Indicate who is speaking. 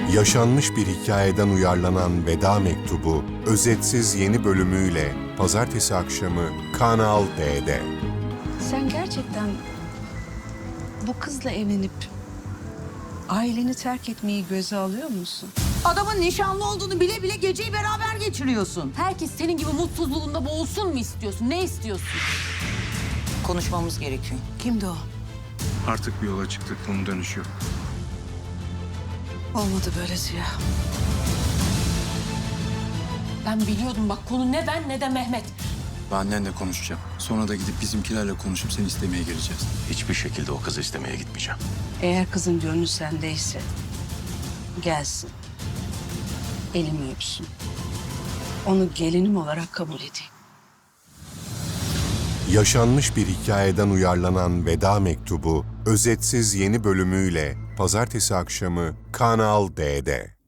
Speaker 1: Yaşanmış bir hikayeden uyarlanan Veda Mektubu, özetsiz yeni bölümüyle pazartesi akşamı Kanal D'de.
Speaker 2: Sen gerçekten bu kızla evlenip aileni terk etmeyi göze alıyor musun?
Speaker 3: Adamın nişanlı olduğunu bile bile geceyi beraber geçiriyorsun.
Speaker 4: Herkes senin gibi mutsuzluğunda boğulsun mu istiyorsun? Ne istiyorsun?
Speaker 3: Konuşmamız gerekiyor.
Speaker 2: Kimdi o?
Speaker 5: Artık bir yola çıktık, bunun dönüşü yok.
Speaker 2: Olmadı böyle Ziya.
Speaker 4: Ben biliyordum bak, konu ne ben ne de Mehmet.
Speaker 6: Ben annenle konuşacağım. Sonra da gidip bizimkilerle konuşup seni istemeye geleceğiz.
Speaker 7: Hiçbir şekilde o kızı istemeye gitmeyeceğim.
Speaker 2: Eğer kızın gönlü sendeyse gelsin. Elimi öpsün. Onu gelinim olarak kabul edeyim.
Speaker 1: Yaşanmış bir hikayeden uyarlanan Veda Mektubu, özetsiz yeni bölümüyle pazartesi akşamı Kanal D'de.